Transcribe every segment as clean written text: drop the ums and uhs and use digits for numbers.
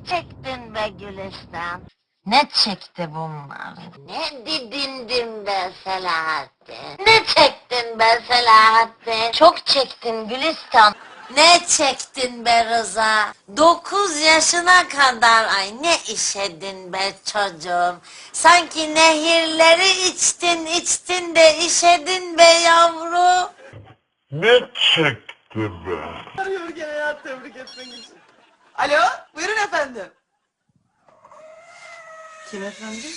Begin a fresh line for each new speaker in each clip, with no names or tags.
çektin be Gülistan?
Ne çekti bunlar?
Ne didindin be Selahattin? Ne çektin be Selahattin?
Çok çektin Gülistan.
Ne çektin be Rıza? 9 yaşına kadar ay ne işedin be çocuğum? Sanki nehirleri içtin de işedin be yavrum.
Ne çekti be?
Arıyor gene ya tebrik etmek için. Alo, buyurun efendim. Kim efendim?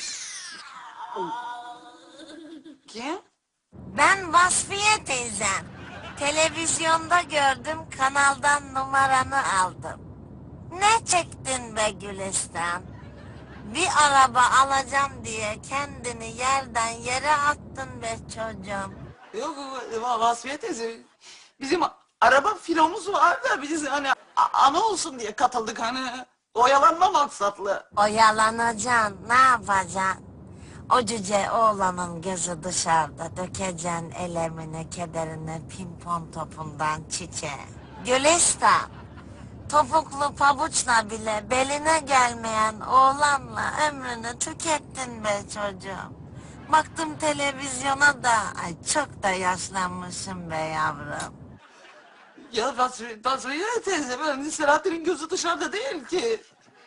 Kim?
Ben Vasfiye teyzem. Televizyonda gördüm, kanaldan numaranı aldım. Ne çektin be Gülistan? Bir araba alacağım diye kendini yerden yere attın be çocuğum.
Yok Vasfiye teyze. Bizim araba filomuz var da biz hani ana olsun diye katıldık hani oyalanma maksatlı.
Oyalanacaksın, ne yapacaksın? O cüce oğlanın gözü dışarıda, dökeceksin elemini, kederini pimpon topundan çiçeğe. Gülistan, topuklu pabuçla bile beline gelmeyen oğlanla ömrünü tükettin be çocuğum. Baktım televizyona da, ay çok da yaşlanmışım be yavrum.
Ya Vasfiye teyze ben Selahattin'in gözü dışarıda değil ki.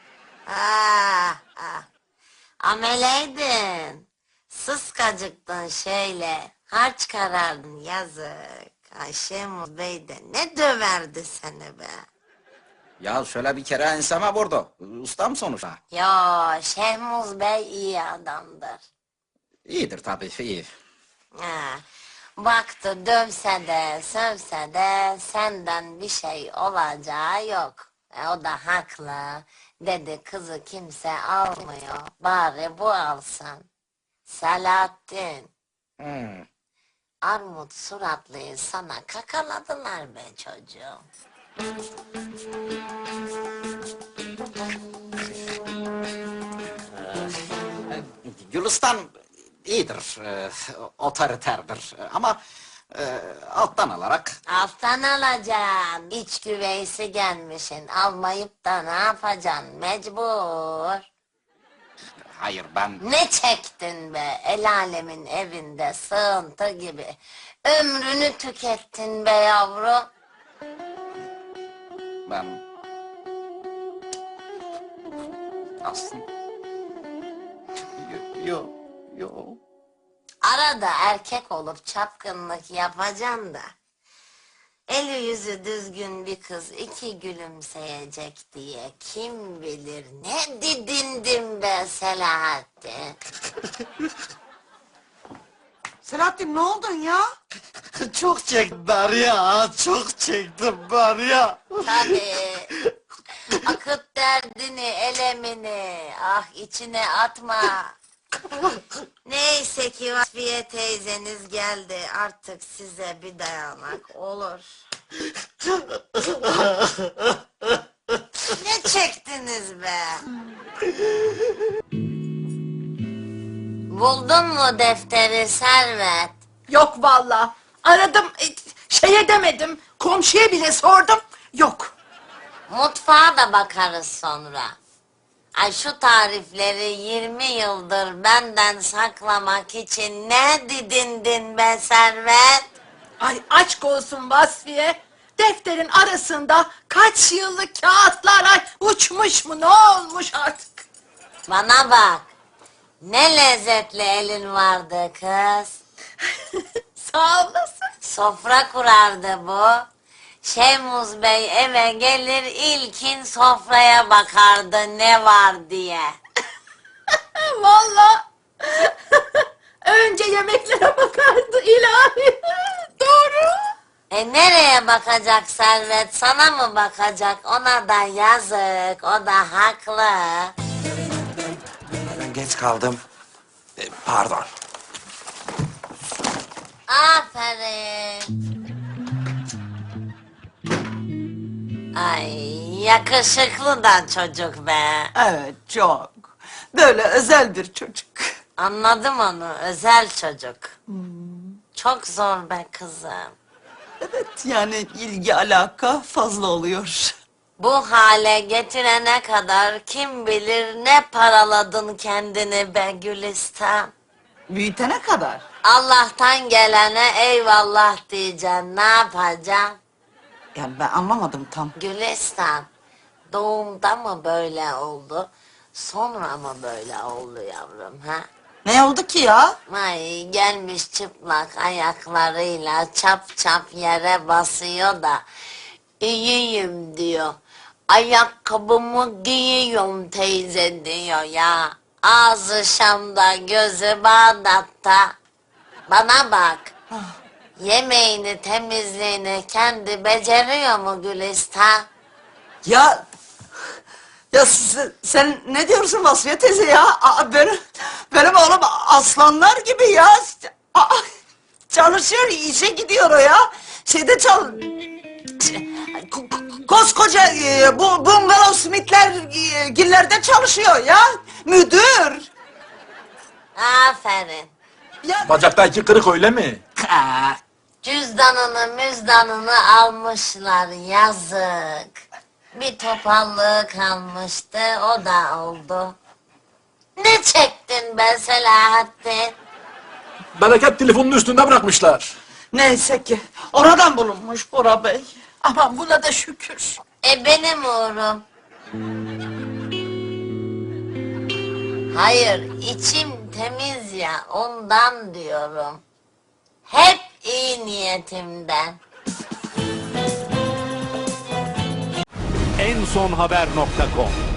Ah. Ameleydin. Sıskacıktın şeyle. Harç karardın yazık. Ay Şemuz Bey de ne döverdi seni be.
Ya şöyle bir kere enseme vurdu. Ustam sonuçta.
Yo Şemuz Bey iyi adamdır.
İyidir tabii, iyi.
Ha, baktı dövse de sövse de senden bir şey olacağı yok. O da haklı. Dedi kızı kimse almıyor. Bari bu alsın. Selahattin.
Hmm.
Armut suratlıyı sana kakaladılar be çocuğum.
Gülistan iyidir, otoriterdir ama alttan alarak...
Alttan alacaksın. İç güveysi gelmişsin. Almayıp da ne yapacaksın? Mecbur.
Hayır ben...
Ne çektin be? El alemin evinde sığıntı gibi. Ömrünü tükettin be yavrum.
Ben... Aslında... Yo.
Arada erkek olup çapkınlık yapacaksın da. Eli yüzü düzgün bir kız iki gülümseyecek diye kim bilir ne didindim be Selahattin.
Selahattin ne oldun ya?
Çok çektim ben ya, çok çektim ben ya.
Tabii. Akıt derdini, elemini. Ah içine atma. Neyse ki Vasfiye teyzeniz geldi. Artık size bir dayanak olur. Ne çektiniz be? Buldun mu defteri Servet?
Yok valla. Aradım, şey edemedim. Komşuya bile sordum. Yok.
Mutfağa da bakarız sonra. Ay şu tarifleri 20 yıldır benden saklamak için ne didindin be Servet?
Ay aşk olsun Vasfiye. Defterin arasında kaç yıllık kağıtlar ay uçmuş mu ne olmuş artık?
Bana bak. Ne lezzetli elin vardı kız.
Sağ olasın.
Sofra kurardı bu. Şemuz Bey eve gelir ilkin sofraya bakardı ne var diye.
Valla. Önce yemeklere bakardı ilahi. Doğru.
Nereye bakacak Servet? Sana mı bakacak? Ona da yazık. O da haklı.
Ben geç kaldım. Pardon.
Aferin. Ay yakışıklı da çocuk be.
Evet çok. Böyle özel bir çocuk.
Anladım onu. Özel çocuk. Çok zor be kızım.
Evet yani ilgi alaka fazla oluyor.
Bu hale getirene kadar kim bilir ne paraladın kendini be Gülistan.
Büyütene kadar.
Allah'tan gelene eyvallah diyeceksin, ne yapacaksın?
Ya ben anlamadım tam.
Gülistan, doğumda mı böyle oldu, sonra mı böyle oldu yavrum ha?
Ne oldu ki ya?
Ay gelmiş çıplak ayaklarıyla çap çap yere basıyor da iyiyim diyor. Ayakkabımı giyiyorum teyze diyor ya. Ağzı Şam'da gözü Bağdat'ta. Bana bak. Yemeğini temizliğini kendi beceriyor mu Gülistan?
Ya sen ne diyorsun Vasfiye teyze ya? Benim oğlum aslanlar gibi ya. Aa, çalışıyor, işe gidiyor o ya. Koskoca bu Bungalov Smith'ler gillerde çalışıyor ya. Müdür.
Aferin.
Ya,
Bacakta iki kırık öyle mi?
Cüzdanını almışlar yazık. Bir topallığı kalmıştı o da oldu. Ne çektin be Selahattin?
Bereket telefonun üstünde bırakmışlar.
neyse ki oradan bulunmuş Bora Bey.
Aman buna da şükür.
Benim uğrum. Hayır içim temiz ya ondan diyorum. Hep iyi niyetimden.
ensonhaber.com